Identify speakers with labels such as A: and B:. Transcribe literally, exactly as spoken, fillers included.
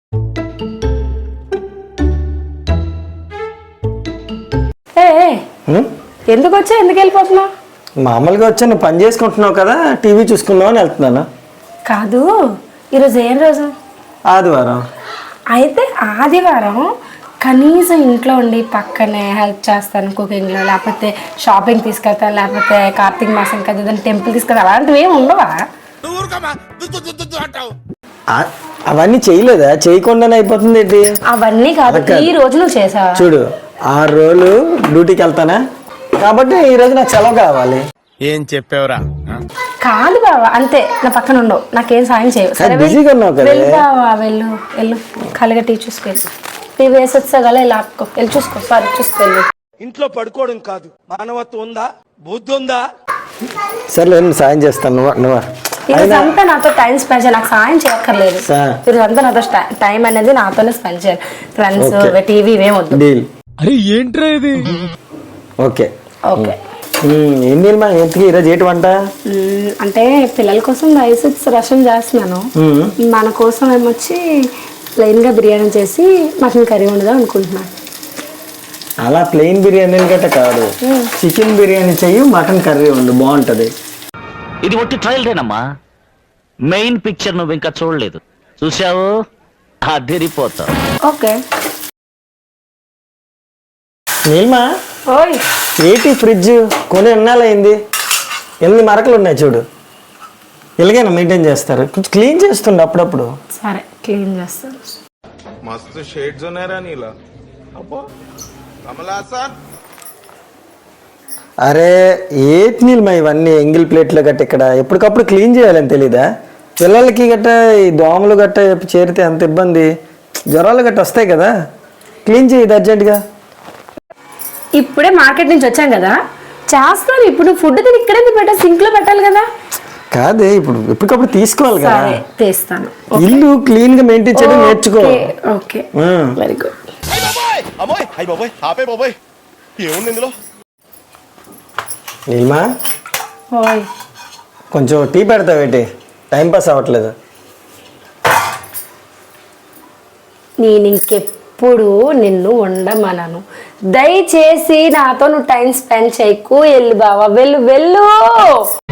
A: ఎందుకు వచ్చా ఎందుకు వెళ్ళిపోతున్నావు?
B: మామూలుగా వచ్చా, నువ్వు పని చేసుకుంటున్నావు కదా, టీవీ చూసుకుందాం అని వెళ్తున్నాను.
A: కాదు, ఈరోజు ఏం రోజు?
B: ఆదివారం.
A: అయితే ఆదివారం కనీసం ఇంట్లో ఉండి పక్కనే హెల్ప్ చేస్తాను కుకింగ్లో, లేకపోతే షాపింగ్ తీసుకెళ్తాను, లేకపోతే కార్తీక మాసం కదా టెంపుల్ తీసుకెళ్తాను, అలాంటివి ఏమి ఉండవా?
B: అవన్నీ చేయలేదా? చేయకుండానే అయిపోతుంది ఏంటి?
A: అవన్నీ కాదు, ఈ రోజు నువ్వు చేసావా?
B: చూడు, ఆరు రోజులు డ్యూటీకి వెళ్తానా కాబట్టి ఈ రోజు నాకు సెలవు కావాలి.
C: ఏం చెప్పావురా?
A: కాదు బావా, అంతే, నా పక్కన ఉండవు, నాకేం సాయం చేయవు.
B: బిజీగా ఉన్నావు కదా.
A: వెళ్ళు బావా, వెళ్ళు వెళ్ళు ఖాళీగా టీ చూసుకో, టీవీ వేసి వచ్చా గల ఇలా ఆపుకో, వెళ్ళి చూసుకో, సారీ చూసుకో.
C: ఇంట్లో పడుకోవడం కాదు, మానవత్వం ఉందా, బుద్ధి ఉందా?
B: సరే నేను సాయం చేస్తాను. నువ్వు నువ్వా
A: ఈరోజు అంతా నాతో టైం స్పెండ్ చేయాలి, నాకు సాయం చేయక్కర్లేదు. ఈరోజు అంతా నాతో టైం అనేది నాతోనే స్పెండ్ చేయాలి. ఫ్రెండ్స్ టీవీ ఇవేమొద్దు.
C: అరే ఏంట్రా ఇది?
B: Okay
A: okay.
B: ఏం నీళ్ళు మా ఎంతకి ఈరోజు ఏంటి వంట?
A: అంటే పిల్లల కోసం రైస్ రసం చేస్తున్నాను, మన కోసం ఏమొచ్చి ప్లెయిన్ గా బిర్యానీ చేసి మటన్ కర్రీ వండుదాం అనుకుంటున్నాను.
B: అలా ప్లెయిన్ బిర్యానీ గట్ట కాదు, చికెన్ బిర్యానీ చెయ్యి, మటన్ కర్రీ వండు, బాగుంటది.
D: ఇది ఒట్టి ట్రయల్దేనమ్మా, మెయిన్ పిక్చర్ నువ్వు ఇంకా చూడలేదు, చూసావు అదిరిపోతావు.
A: ఓకే.
B: నీల్మా,
A: ఓయ్
B: ఏంటి ఫ్రిడ్జ్ కొని ఎన్నాళ్ళయింది? ఎన్ని మరకలు ఉన్నాయి చూడు. ఎలాగైనా మెయింటైన్ చేస్తారు, కొంచెం క్లీన్ చేస్తుండే అప్పుడప్పుడు.
A: సరే క్లీన్ చేస్తాను.
C: మస్తు షేడ్స్ ఉన్నాయరా నీలా. అబ్బో కమలాసా.
B: అరే ఏటి నీల్మా ఇవన్నీ ఎంగిల్ ప్లేట్లు గట్ట ఇక్కడ ఎప్పటికప్పుడు క్లీన్ చేయాలని తెలీదా? పిల్లలకి గట్ట ఈ దోమలు గట్ట చేరితే అంత ఇబ్బంది, జ్వరాలు గట్ట వస్తాయి కదా, క్లీన్ చేయి అర్జెంట్గా.
A: ఇప్పుడే మార్కెట్ నుంచి వచ్చాం కదా, చేస్తాను. ఇప్పుడు ఫుడ్ తిని ఇక్కడే పెట్టా, సింక్ లో పెట్టాలి కదా.
B: కాదే, ఇప్పుడు ఎప్పటికప్పుడు తీసుకోవాలి కదా.
A: తీస్తాను.
B: ఇల్లు క్లీన్ గా మెయింటైన్ చేయడం నేర్చుకో.
A: Okay, very good.
B: నీల్మా, కొంచెం టీ పెడతావేంటి? టైం పాస్ అవ్వట్లేదు.
A: నేను ఇంకెప్పుడు నిన్ను ఉండమనను, దయచేసి నాతో నువ్వు టైం స్పెండ్ చేయకు. వెళ్ళు బావా, వెళ్ళు వెళ్ళు.